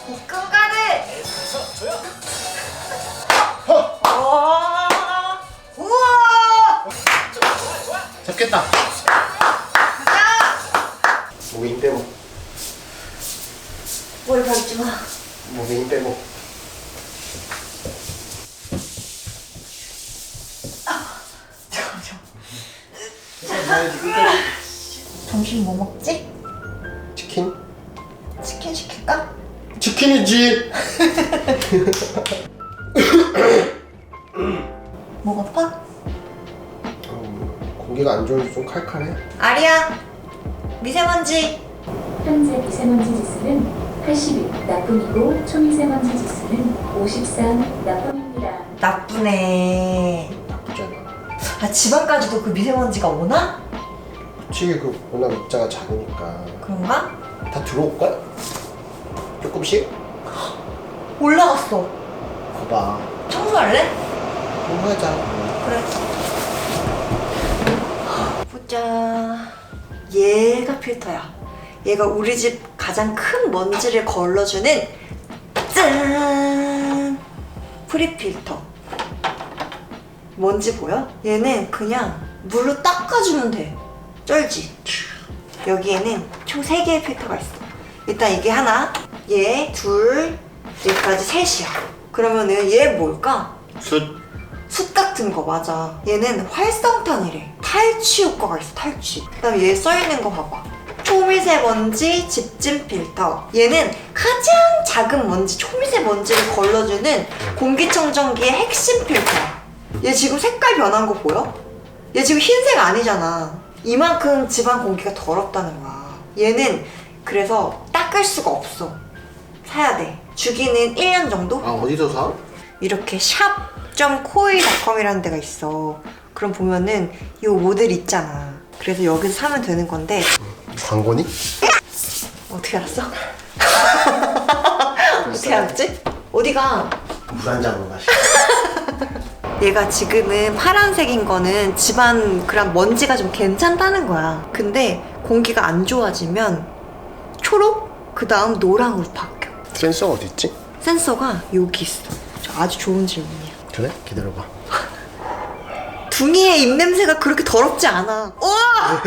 볶음가루. 조용. 우와. 잡겠다. 가자. 몸에 힘 빼고. 뭘 밟지 마. 몸에 힘 빼고. 점심 뭐 먹지? 치킨? 치킨 시킬까? 치킨이지. 목 아파? 공기가 안 좋은지 좀 칼칼해. 아리야. 미세먼지. 현재 미세먼지 지수는 81 나쁨이고 초미세먼지 지수는 53 나쁨입니다. 나쁘네. 나쁘지 않아. 아, 집안까지도 그 미세먼지가 오나? 그치, 그 워낙 입자가 작으니까. 그런가? 다 들어올걸? 조금씩? 올라갔어. 거봐. 청소할래? 공부하자. 그래. 보자. 얘가 필터야. 얘가 우리 집 가장 큰 먼지를 걸러주는 짠! 프리필터. 먼지 보여? 얘는 그냥 물로 닦아주면 돼. 쩔지? 여기에는 총 3개의 필터가 있어. 일단 이게 하나, 얘 둘, 얘까지 셋이야. 그러면은 얘 뭘까? 숯 같은 거 맞아. 얘는 활성탄이래. 탈취 효과가 있어. 탈취. 그다음에 얘 써있는 거 봐봐. 초미세먼지 집진 필터. 얘는 가장 작은 먼지, 초미세먼지를 걸러주는 공기청정기의 핵심 필터야. 얘 지금 색깔 변한 거 보여? 얘 지금 흰색 아니잖아. 이만큼 집안 공기가 더럽다는 거야. 얘는 그래서 닦을 수가 없어. 사야 돼. 주기는 1년 정도? 아, 어디서 사? 이렇게 샵.코이닷컴이라는 데가 있어. 그럼 보면은 이 모델 있잖아. 그래서 여기서 사면 되는 건데. 광고니? 어떻게 알았어? 어떻게 알았지? 어디가? 물 한 잔 마시. 얘가 지금은 파란색인 거는 집안 그런 먼지가 좀 괜찮다는 거야. 근데 공기가 안 좋아지면 초록? 그 다음 노랑으로 바뀌어. 센서가 어디 있지? 센서가 여기 있어. 아주 좋은 질문이야. 그래? 기다려봐. 둥이의 입냄새가 그렇게 더럽지 않아. 우와!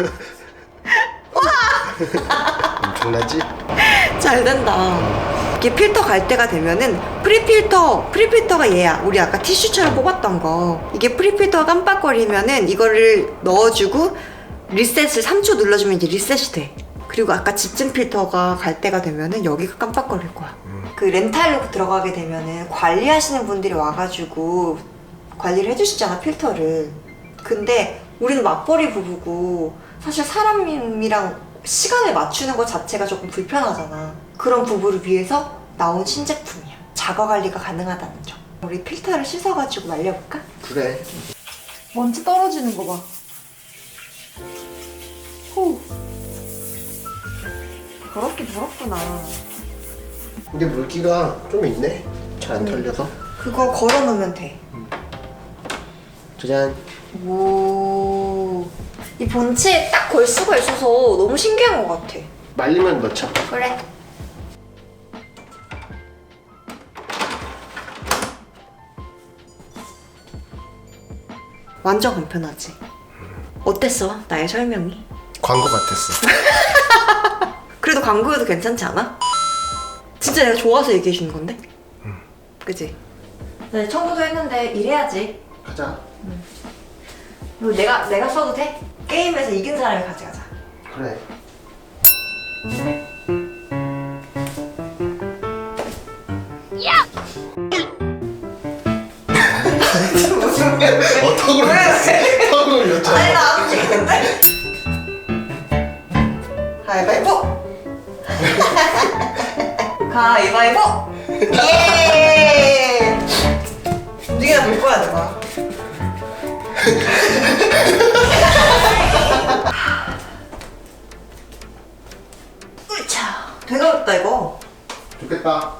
엄청나지? 잘 된다. 이게 필터 갈 때가 되면은 프리필터가 얘야. 우리 아까 티슈처럼 뽑았던 거. 이게 프리필터가 깜빡거리면은 이거를 넣어주고 리셋을 3초 눌러주면 이제 리셋이 돼. 그리고 아까 집진 필터가 갈 때가 되면은 여기가 깜빡거릴 거야. 그 렌탈로 들어가게 되면은 관리하시는 분들이 와가지고 관리를 해주시잖아, 필터를. 근데 우리는 맞벌이 부부고 사실 사람이랑 시간을 맞추는 것 자체가 조금 불편하잖아. 그런 부부를 위해서 나온 신제품이야. 자가 관리가 가능하다는 점. 우리 필터를 씻어가지고 말려볼까? 그래. 먼지 떨어지는 거 봐. 후. 더럽긴 더럽구나. 근데 물기가 좀 있네. 잘 안 털려서. 그거 걸어놓으면 돼. 짜잔. 오. 이 본체에 딱 걸 수가 있어서 너무 신기한 것 같아. 말리면 넣자. 그래. 완전 간편하지? 어땠어? 나의 설명이? 광고 같았어. 그래도 광고여도 괜찮지 않아? 진짜 내가 좋아서 얘기해 주는 건데? 그치? 네, 청소도 했는데 일해야지. 가자. 이거 내가 써도 돼? 게임에서 이긴 사람이 가져가자. 그래. 턱으로 왜? 턱으로 아니 넣자. 나 안 움직이는데? 가위바위보! 가위바위보! 예! 움직이다 볼 거야 내가. 으차! 되게 어렵다 이거. 좋겠다.